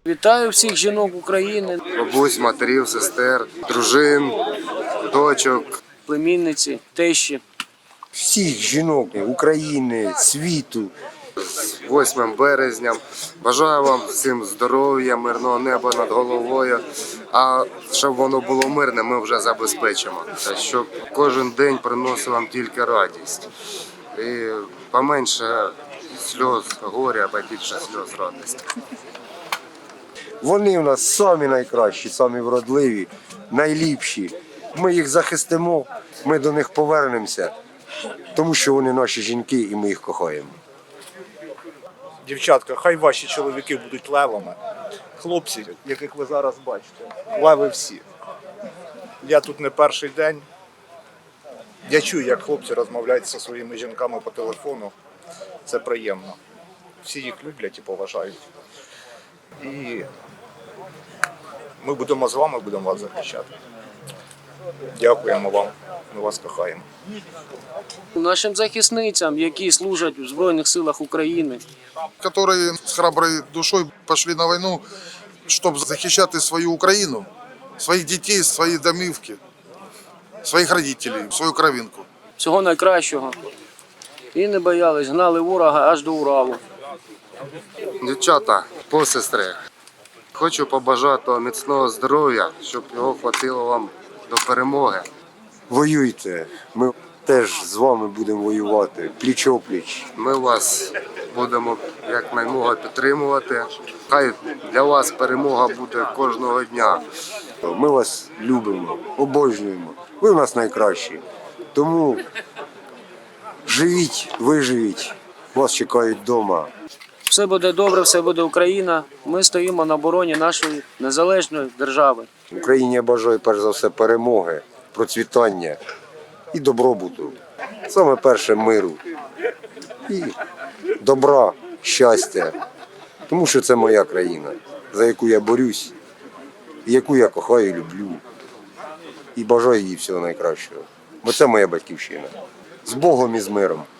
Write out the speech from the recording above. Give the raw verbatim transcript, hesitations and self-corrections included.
Вітаю всіх жінок України, Бабусь, матерів, сестер, дружин, дочок, племінниці, тещі. Всіх жінок України, світу. з восьмим березням. Бажаю вам всім здоров'я, мирного неба над головою. А щоб воно було мирне, ми вже забезпечимо. Щоб кожен день приносив вам тільки радість. І поменше сльоз горя, а побільше сльоз радості. Вони в нас самі найкращі, самі вродливі, найліпші. Ми їх захистимо, ми до них повернемося, тому що вони наші жінки і ми їх кохаємо. Дівчатка, хай ваші чоловіки будуть левами. Хлопці, яких ви зараз бачите, леви всі. Я тут не перший день. Я чую, як хлопці розмовляють зі своїми жінками по телефону. Це приємно. Всі їх люблять і поважають. І ми будемо з вами, будемо вас захищати. Дякуємо вам, ми вас кохаємо. Нашим захисницям, які служать у Збройних силах України. Которые с храброй душой пошли на войну, чтобы захищати свою Україну, своїх дітей, свої домівки, своїх родителей, свою кровинку. Всього найкращого. І не боялись, гнали ворога аж до Уралу. Дівчата, посестри, хочу побажати міцного здоров'я, щоб його хватило вам до перемоги. Воюйте, ми теж з вами будемо воювати, пліч-опліч. Ми вас будемо якнаймога підтримувати. Хай для вас перемога буде кожного дня. Ми вас любимо, обожнюємо, ви в нас найкращі. Тому живіть, виживіть, вас чекають вдома. Все буде добре, все буде Україна. Ми стоїмо на обороні нашої незалежної держави. Україні я бажаю перш за все перемоги, процвітання і добробуту. Саме перше миру і добра, щастя. Тому що це моя країна, за яку я борюсь, і яку я кохаю і люблю. І бажаю їй всього найкращого. Бо це моя батьківщина. З Богом і з миром.